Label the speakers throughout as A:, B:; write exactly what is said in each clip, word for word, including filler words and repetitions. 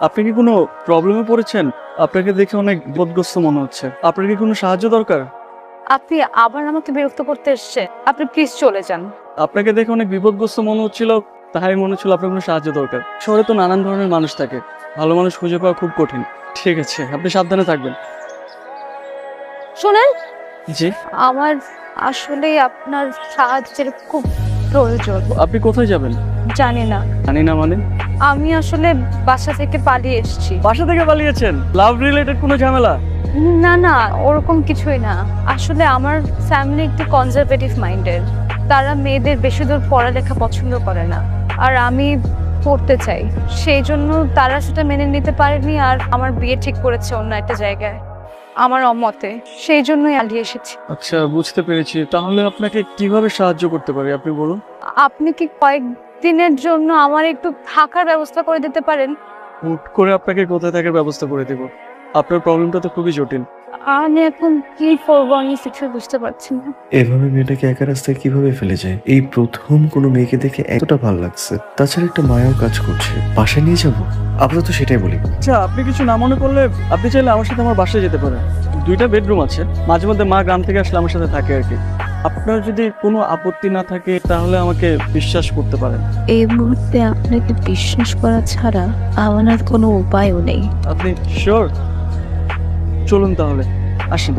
A: আপনি কি কোনো প্রবলেমে পড়েছেন? আপনাকে দেখে অনেক বিপদগ্রস্ত মনে হচ্ছে। আপনার কি কোনো সাহায্য দরকার?
B: আপনি আবার আমাকে বিরক্ত করতে এসেছেন। আপনি প্লিজ চলে যান।
A: আপনাকে দেখে অনেক বিপদগ্রস্ত মনে হচ্ছিল, তাই মনে হচ্ছিল আপনার কোনো সাহায্য দরকার। শহরে তো নানান ধরনের মানুষ থাকে, ভালো মানুষ খুঁজে পাওয়া খুব কঠিন। ঠিক আছে, আপনি সাবধানে থাকবেন।
B: শোনেন,
A: জি,
B: আমার আসলে আপনার সাহায্যের খুব প্রয়োজন।
A: আপনি কোথায় যাবেন?
B: জানি না,
A: জানি না মানে?
B: আমি আসলে বাসা থেকে পালিয়ে এসেছি।
A: বাসা থেকে পালিয়েছেন? লাভ রিলেটেড কোনো ঝামেলা?
B: না না, ওরকম কিছুই না। আসলে আমার ফ্যামিলি একটু কনজারভেটিভ মাইন্ডের। তারা মেয়েদের বেশি দূর পড়ালেখা পছন্দ করে না, আর আমি পড়তে চাই। সেই জন্য তারা সেটা মেনে নিতে পারেনি, আর আমার বিয়ে ঠিক করেছে অন্য একটা জায়গায় আমার অমতে। সেই জন্যই পালিয়ে এসেছি।
A: আচ্ছা, বুঝতে পেরেছি। তাহলে আপনাকে কিভাবে সাহায্য করতে পারি আপনি বলুন।
B: আপনি কি কয়েকদিনের জন্য আমার একটু থাকার ব্যবস্থা করে দিতে পারেন?
A: হুট করে আপনাকে কোথায় থাকার ব্যবস্থা করে দেব? আপনার প্রবলেমটা তো খুবই জটিল।
B: আমি এখন কি করবো আমি কিছু বুঝতে পারছি না।
C: এভাবে মেয়েটাকে একা রাস্তায় কিভাবে ফেলে যায়? এই প্রথম কোনো মেয়েকে দেখে এতটা ভালো লাগছে, তাছাড়া একটা মায়াও কাজ করছে। বাসায় নিয়ে যাবো? আপাতত সেটাই বলি।
A: আচ্ছা, আপনি কিছু না মনে করলে আপনি চাইলে আমার সাথে আমার বাসায় যেতে পারেন। দুইটা বেডরুম আছে, মাঝে মধ্যে মা গ্রাম থেকে আসলে আমার সাথে থাকে আর কি। আপনার যদি কোনো আপত্তি না থাকে তাহলে আমাকে বিশ্বাস করতে পারেন।
D: এই মুহূর্তে আপনাকে বিশ্বাস করা ছাড়া আমার আর কোনো উপায়ও নেই।
A: আপনি শিওর? চলুন তাহলে, আসেন।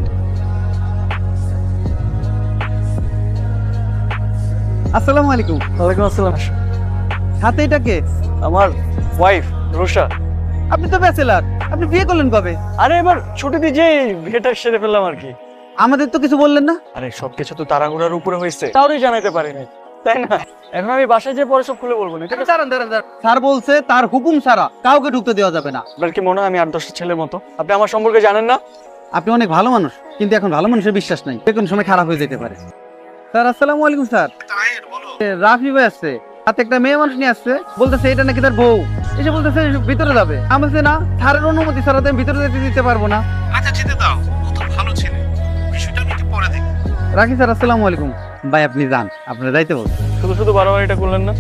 E: আসসালামু আলাইকুম।
A: ওয়ালাইকুম আসসালাম।
E: হাতে এটা কে?
A: আমার ওয়াইফ রুষা।
E: আপনি তো ব্যাচেলার, আপনি বিয়ে করলেন কবে?
A: আরে এবার ছুটি দিয়ে যে বিয়েটা সেরে ফেললাম আর কি।
E: আমাদের তো কিছু বললেন না।
A: আরে সবকিছু তো তাড়াহুড়ার উপরে হয়েছে, তাহলেই জানাতে পারিনি, তাই না? এখন আমি বাসায় যেয়ে পরে সব খুলে বলবো না, ঠিক আছে?
E: দাঁড়ান দাঁড়ান দাঁড়ান। স্যার বলছে তার হুকুম ছাড়া কাউকে ঢুকতে দেওয়া যাবে না।
A: আপনার কি মনে হয় আমি আট দশটা ছেলের মতো? আপনি আমার সম্পর্কে জানেন না?
E: আপনি অনেক ভালো মানুষ, কিন্তু এখন ভালো মানুষের বিশ্বাস নাই, যে কোনো সময় খারাপ হয়ে যেতে পারে। স্যার আসসালামু আলাইকুম। স্যার এ, রাফি ভাই আসছে, হাতে একটা মেয়ে মানুষ নিয়ে আসছে, বলতেছে এটা নাকি তার বউ। এসে বলতেছে ভিতরে যাবে। আমি বলছি না, স্যারের অনুমতি ছাড়া তো আমি ভিতরে যেতে দিতে পারবো না।
F: আচ্ছা যেতে দাও, ও তো ভালো ছেলে, বিষয়টা আমি একটু পরে দেখি।
E: রাখি স্যার, আসসালামু আলাইকুম। ভাই আপনি যান, আপনার যাইতে বলছে।
A: শুধু শুধু বারবার এটা করলেন না।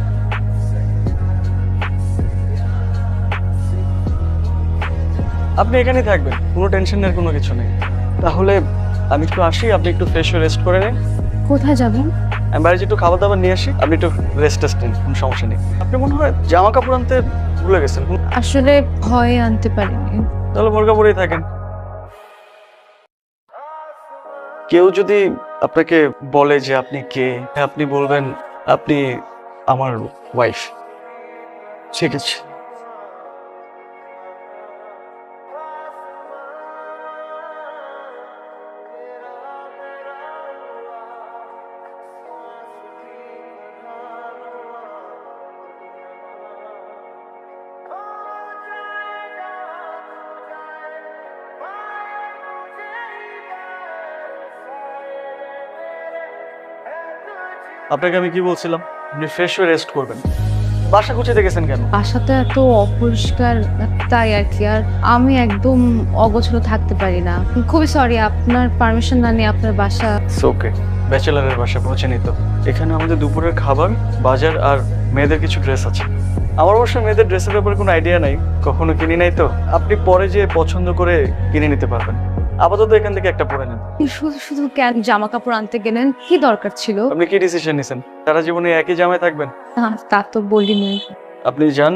A: আপনি এখানেই থাকবেন, কোনো টেনশনের কোনো কিছু নেই। তাহলে আমি একটু আসি, আপনি একটু ফ্রেশ হয়ে রেস্ট করে নিন।
B: কোথায় যাবেন?
A: আমি বাইরে একটু খাবার দাবার নিয়ে আসি, আপনি একটু রেস্ট টেস্ট নিন, কোনো সমস্যা নেই। আপনি মনে হয় জামা কাপড় আনতে ভুলে গেছেন।
B: আসলে ভয়ে আনতে পারিনি।
A: তাহলে বোরকা পরেই থাকেন। কেউ যদি আপনাকে বলে যে আপনি কে, আপনি বলবেন আপনি আমার ওয়াইফ। ঠিক আছে? আপনাকে আমি কি বলছিলাম? আপনি ফ্রেশ হয়ে রেস্ট করবেন। বাসা গুছিয়ে দেখেছেন কেন?
B: বাসাটা এত অপরিষ্কার, তাই আর কি। আর আমি একদম অগোছালো থাকতে পারি না। খুবই সরি, আপনার পারমিশন না নিয়ে আপনার বাসা।
A: ওকে, ব্যাচেলারের বাসা পৌঁছে তো। এখানে আমাদের দুপুরের খাবার, বাজার আর মেয়েদের কিছু ড্রেস আছে। আমার অবশ্য মেয়েদের ড্রেসের ব্যাপারে কোনো আইডিয়া নাই, কখনো কিনি নাই তো। আপনি পরে যে পছন্দ করে কিনে নিতে পারবেন। আপাতত এখান থেকে একটা পরে নেন।
B: শুধু শুধু কেন জামা কাপড় আনতে গেলেন? কি দরকার ছিল?
A: আপনি কি ডিসিশন নিছেন? সারা জীবনে একই জামায় থাকবেন?
B: না, তা তো বলিনি।
A: আপনি যান।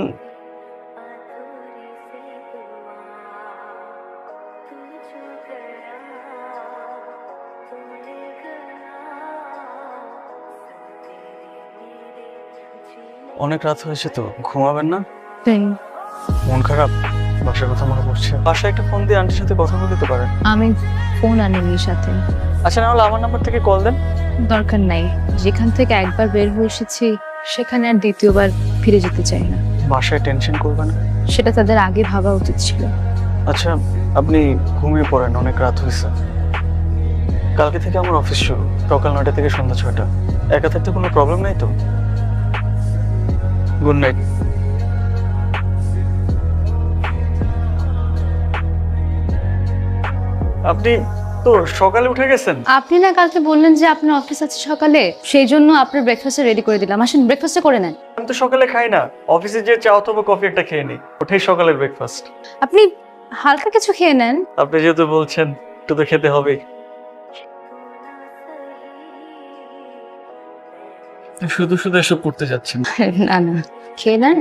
A: অনেক রাত হয়েছে তো, ঘুমাবেন না?
B: তাই
A: মন খারাপ? বাসার কথা মনে পড়ছে? বাসায় একটা ফোন দিয়ে আন্টির সাথে কথা বলে দিতে পারেন।
B: আমি ফোন আনিনি সাথে।
A: আচ্ছা, না হলে আমার নাম্বার থেকে কল দেন।
B: দরকার নাই, যেখান থেকে একবার বের হয়ে এসেছি সেখানে আর দ্বিতীয়বার ফিরে যেতে চাই না।
A: বাসায় টেনশন করবেন না।
B: সেটা তাদের আগে ভাবা উচিত ছিল।
A: আচ্ছা, আপনি ঘুমিয়ে পড়েন, অনেক রাত হয়েছে। কালকে থেকে আমার অফিস শুরু, সকাল নয়টা থেকে সন্ধ্যা ছয়টা। একা থাকতে কোনো প্রবলেম নাই তো? Good night. আপনি তো সকালে উঠে গেছেন?
B: আপনি না কালকে বললেন যে আপনার অফিস আছে সকালে, সেই জন্য আপনার ব্রেকফাস্ট রেডি করে দিলাম। আসেন ব্রেকফাস্ট করে নেন।
A: আমি তো তো সকালে খাই না, অফিসে যে চা অথবা কফি একটা খেয়ে নিই, ওটাই সকালের ব্রেকফাস্ট।
B: আপনি হালকা কিছু খেয়ে নেন।
A: আপনি যেহেতু বলছেন একটু তো খেতে হবেই। শুধু শুধু এসব করতে যাচ্ছেন।
B: না না, খেয়ে নেন।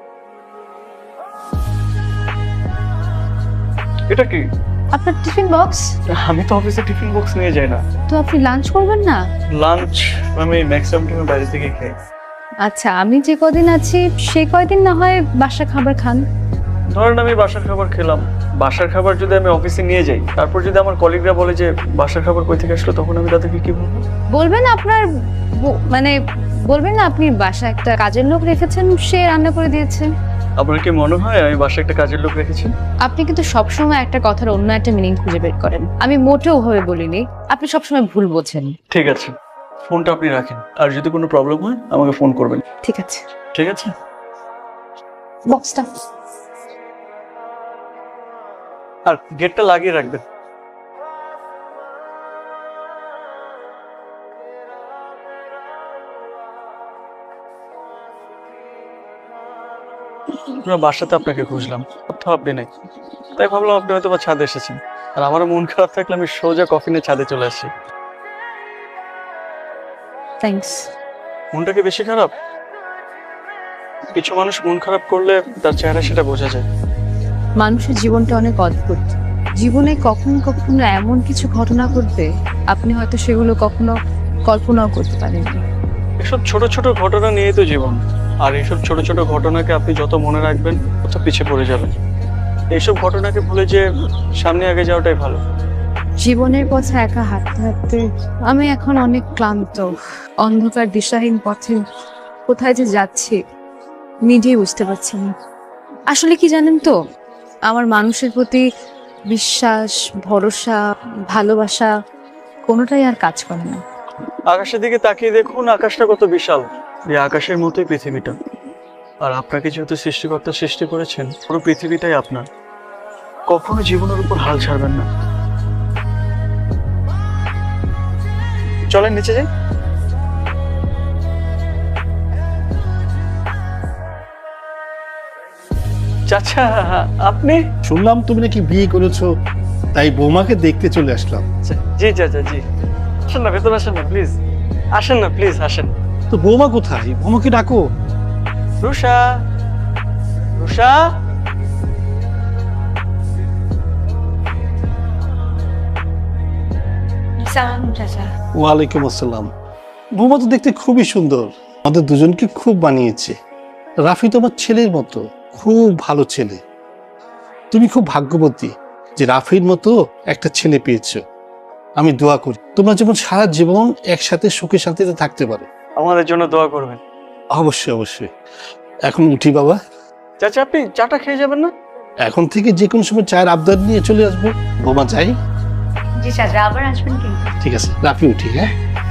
A: এটা কি?
B: আপনার টিফিন বক্স।
A: আমি তো অফিসে টিফিন বক্স নিয়ে যাই না।
B: তো আপনি লাঞ্চ করবেন না?
A: লাঞ্চ আমি ম্যাক্সিমাম টাইম বাইরে থেকে খাই।
B: আচ্ছা, আমি যে কদিন আছি সেই কয়দিন না হয় বাসা খাবার খান।
A: ধরেন আমি বাসার খাবার খেলাম, বাসার খাবার যদি আমি অফিসে নিয়ে যাই, তারপর যদি আমার কলিগরা বলে যে বাসার খাবার কই থেকে আসলো, তখন আমি তাদেরকে কি বলবো?
B: বলবেন আপনার ব- মানে বলবেন না আপনি বাসা একটা কাজের লোক রেখেছেন, সে রান্না করে দিয়েছে।
A: আপনার কি মনে হয় আমি বাসায় একটা কাজের লোক রেখেছি?
B: আপনি কিন্তু সবসময় একটা কথার অন্য একটা মিনিং খুঁজে বের করেন। আমি মোটেও ওভাবে বলিনি, আপনি সবসময় ভুল বোঝেন।
A: ঠিক আছে, ফোনটা আপনি রাখেন, আর যদি কোনো প্রবলেম হয় আমাকে ফোন করবেন।
B: ঠিক আছে,
A: ঠিক আছে?
B: বক্সটা।
A: আর গেটটা লাগিয়ে রাখবেন। পুরো বাসাতে আপনাকে খুঁজলাম, কোথাও আপনি নেই, তাই ভাবলাম আপনি হয়তো বা ছাদে এসেছেন। আর আমার মন খারাপ থাকলে আমি সোজা কফি নিয়ে ছাদে চলে আসি।
B: থ্যাঙ্কস।
A: মনটা কি বেশি খারাপ? কিছু মানুষ মন খারাপ করলে তার চেহারা সেটা বোঝা যায়।
B: মানুষের জীবনটা অনেক অদ্ভুত। জীবনে কখনো কখনো এমন কিছু ঘটনা ঘটবে, আপনি হয়তো সেগুলো কখনো কল্পনাও করতে পারেননি।
A: এসব ছোট ছোট ঘটনা নিয়েই তো জীবন, আর এইসব ছোট ছোট ঘটনাকে আপনি যত মনে রাখবেন তত পিছিয়ে পড়ে যাবেন। এইসব ঘটনাকে ভুলে যে সামনে আগে যাওয়াটাই ভালো।
B: জীবনের পথে একা হাঁটতে হাঁটতে আমি এখন অনেক ক্লান্ত। অন্ধকার দিশাহীন পথে কোথায় যে যাচ্ছি নিজেই বুঝতে পারছি না। আসলে কি জানেন তো, আমার মানুষের প্রতি বিশ্বাস, ভরসা, ভালোবাসা কোনোটাই আর কাজ করে না।
A: আকাশের দিকে তাকিয়ে দেখুন, আকাশটা কত বিশাল। এই আকাশের মতোই পৃথিবীটা। আর আপনাকে যেহেতু সৃষ্টিকর্তা সৃষ্টি করেছেন, পুরো পৃথিবীটাই আপনার। কখনো জীবনের উপর হাল ছাড়বেন না। চলেন নিচে যাই। চাচা, আপনি?
F: শুনলাম তুমি নাকি বিয়ে করেছো, তাই বৌমাকে দেখতে চলে আসলাম।
A: জি চাচা, জি। আসেন না, ভেতরে আসেন না প্লিজ। আসেন না প্লিজ, আসেন।
F: তো বৌমা কোথায়? বৌমাকে ডাকো।
A: রুষা, রুষা।
F: ওয়ালাইকুম আসসালাম। বৌমা তো দেখতে খুবই সুন্দর, আমাদের দুজনকে খুব মানিয়েছে। রাফি তো আমার ছেলের মতো, খুব ভালো ছেলে। তুমি খুব ভাগ্যবতী যে রাফির মতো একটা ছেলে পেয়েছো। আমি দোয়া করি তোমরা যেমন সারা জীবন একসাথে সুখে শান্তিতে থাকতে পারো।
A: আমাদের জন্য দোয়া করবেন।
F: অবশ্যই অবশ্যই। এখন উঠি বাবা।
A: চাচা, আপনি চাটা খেয়ে যাবেন না?
F: এখন থেকে যে কোনো সময় চায়ের আবদার নিয়ে চলে আসবো। বৌমা যাই।
B: জি চাচা, আবার আসবেন কিন্তু।
F: ঠিক আছে, রাফি উঠি। হ্যাঁ,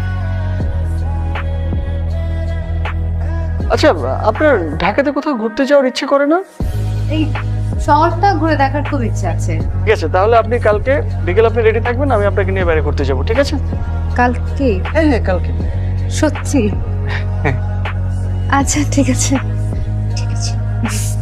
A: আচ্ছা, আপনার ঢাকাতে কোথাও ঘুরতে যাওয়ার ইচ্ছে করে না?
B: এই শহরটা ঘুরে দেখার খুব ইচ্ছে আছে।
A: ঠিক আছে, তাহলে আপনি কালকে বিকেল আপনি রেডি থাকবেন, আমি আপনাকে নিয়ে বাইরে ঘুরতে যাবো। ঠিক আছে?
B: কালকে?
A: হ্যাঁ হ্যাঁ, কালকে।
B: সত্যি?
A: হ্যাঁ।
B: আচ্ছা ঠিক আছে।
A: ঠিক আছে।